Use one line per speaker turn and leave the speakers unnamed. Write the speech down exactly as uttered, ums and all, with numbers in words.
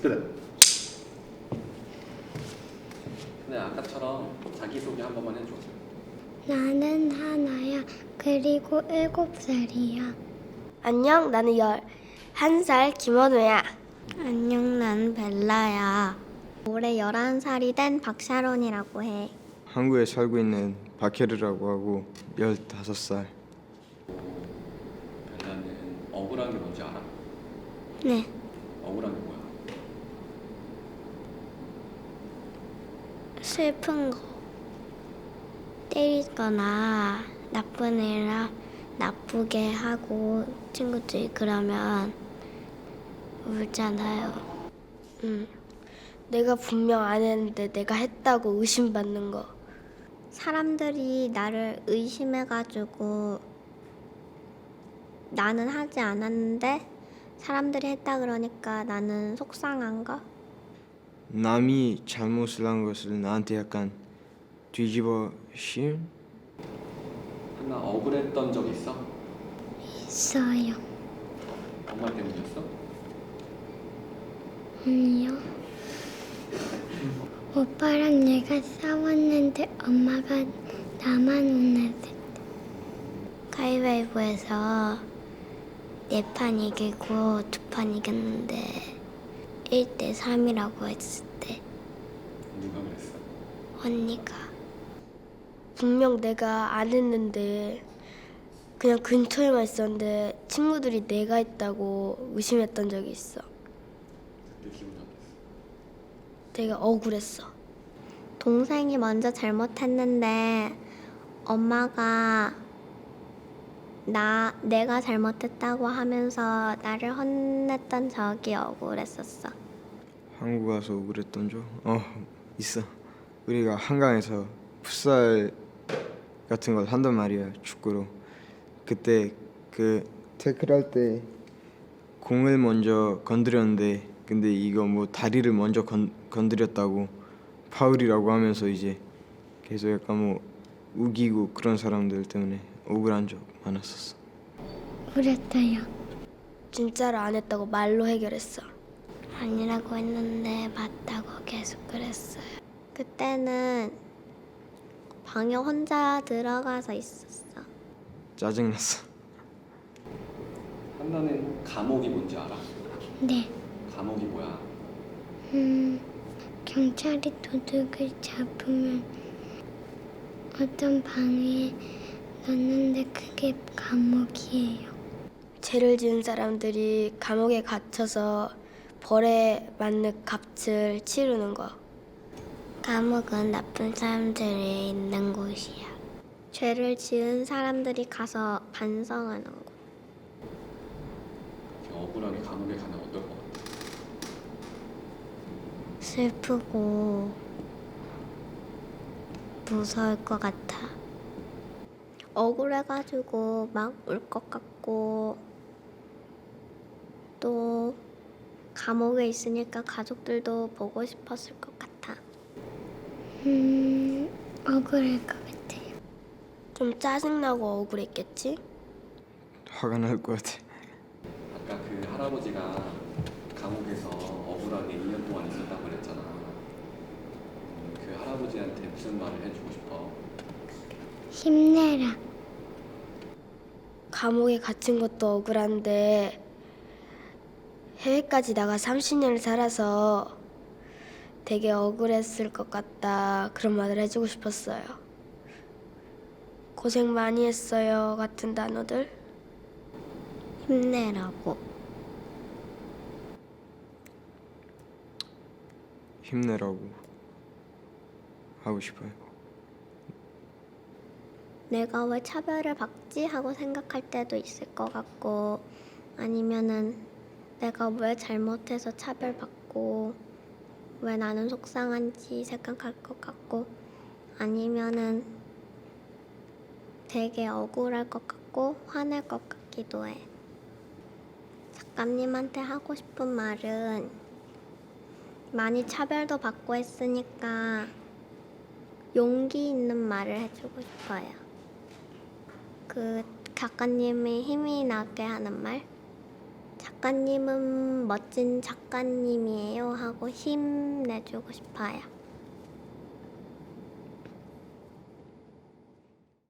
그래. 근데 아까처럼 자기소개 한 번만 해줘.
나는 하나야. 그리고 일곱 살이야.
안녕, 나는 열한 살 김원우야.
안녕, 난 벨라야. 올해 열한 살이 된 박샤론이라고 해.
한국에 살고 있는 박혜르라고 하고 열다섯 살.
벨라는 억울한 게 뭔지 알아?
네.
억울한 게 뭐야?
슬픈 거. 때리거나 나쁜 애라 나쁘게 하고 친구들이 그러면 울잖아요.
응. 내가 분명 안 했는데 내가 했다고 의심받는 거.
사람들이 나를 의심해가지고 나는 하지 않았는데 사람들이 했다 그러니까 나는 속상한 거?
남이 잘못을 한 것을 나한테 약간 뒤집어 씌운?
하나 억울했던 적 있어?
있어요.
엄마 때문이었어?
아니요. 오빠랑 내가 싸웠는데 엄마가 나만 혼냈을 때. 가위바위보에서 네 판 이기고 두 판 이겼는데 일 대 삼이라고 했을 때
누가 그랬어?
언니가.
분명 내가 안 했는데 그냥 근처에만 있었는데 친구들이 내가 했다고 의심했던 적이 있어.
그때 기분 어땠어?
되게 억울했어.
동생이 먼저 잘못했는데 엄마가 나 내가 잘못했다고 하면서 나를 혼냈던 적이 억울했었어.
한국 와서 억울했던 적? 어 있어. 우리가 한강에서 풋살 같은 걸 한단 말이야, 축구로. 그때 그 태클할 때 공을 먼저 건드렸는데 근데 이거 뭐 다리를 먼저 건, 건드렸다고 파울이라고 하면서 이제 계속 약간 뭐 우기고 그런 사람들 때문에 억울한 적 많았었어.
그랬어요.
진짜로 안 했다고 말로 해결했어.
아니라고 했는데 맞다고 계속 그랬어요. 그때는 방에 혼자 들어가서 있었어.
짜증났어.
한나는 감옥이 뭔지 알아?
네.
감옥이 뭐야?
음, 경찰이 도둑을 잡으면 어떤 방에 넣는데 그게 감옥이에요.
죄를 지은 사람들이 감옥에 갇혀서 벌에 맞는 값을 치르는 거.
감옥은 나쁜 사람들이 있는 곳이야. 죄를 지은 사람들이 가서 반성하는 곳.
억울하게 감옥에 가면 어떨 것 같아?
슬프고 무서울 것 같아. 억울해가지고 막 울 것 같고 또 감옥에 있으니까 가족들도 보고 싶었을 것 같아. 음, 억울할 것 같아요.
좀 짜증나고 억울했겠지?
화가 날 것 같아.
아까 그 할아버지가 감옥에서 억울하게 일 년 동안 있었다고 그랬잖아. 음, 그 할아버지한테 무슨 말을 해주고 싶어?
힘내라.
감옥에 갇힌 것도 억울한데 해외까지 나가 삼십 년을 살아서 되게 억울했을 것 같다. 그런 말을 해주고 싶었어요. 고생 많이 했어요 같은 단어들.
힘내라고.
힘내라고 하고 싶어요.
내가 왜 차별을 받지 하고 생각할 때도 있을 것 같고 아니면은 내가 왜 잘못해서 차별받고 왜 나는 속상한지 생각할 것 같고 아니면은 되게 억울할 것 같고 화낼 것 같기도 해. 작가님한테 하고 싶은 말은 많이 차별도 받고 했으니까 용기 있는 말을 해주고 싶어요. 그 작가님이 힘이 나게 하는 말? 작가님은 멋진 작가님이에요 하고 힘내주고 싶어요.